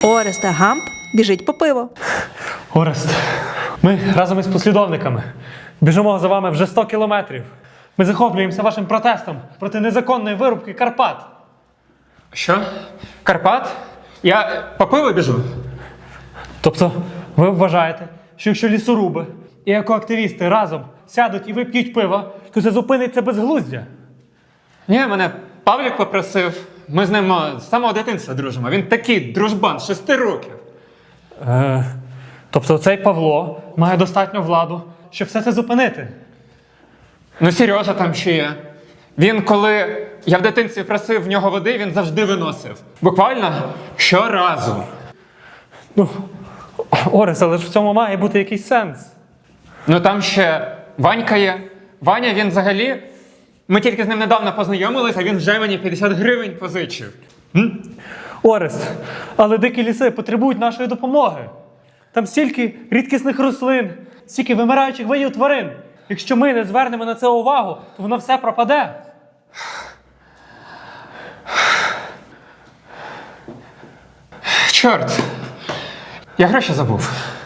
Орест та Гамп біжить по пиво. Орест, ми разом із послідовниками біжимо за вами вже 100 кілометрів. Ми захоплюємося вашим протестом проти незаконної вирубки Карпат. Що? Карпат? Я по пиво біжу? Тобто ви вважаєте, що якщо лісоруби і екоактивісти разом сядуть і вип'ють пиво, то це зупиниться безглуздя? Ні, мене Павлік попросив. Ми з ним з самого дитинства дружимо. Він такий дружбан, 6 років. Тобто цей Павло має достатню владу, щоб все це зупинити? Ну, Сережа там ще є. Він, коли я в дитинстві просив в нього води, він завжди виносив. Буквально щоразу. Ну, Орест, але ж в цьому має бути якийсь сенс. Ну там ще Ванька є. Ваня, він взагалі... Ми тільки з ним недавно познайомилися, а він вже мені 50 гривень позичив. Орест, але дикі ліси потребують нашої допомоги. Там стільки рідкісних рослин, стільки вимираючих видів тварин. Якщо ми не звернемо на це увагу, то воно все пропаде. Чорт, я гроші забув.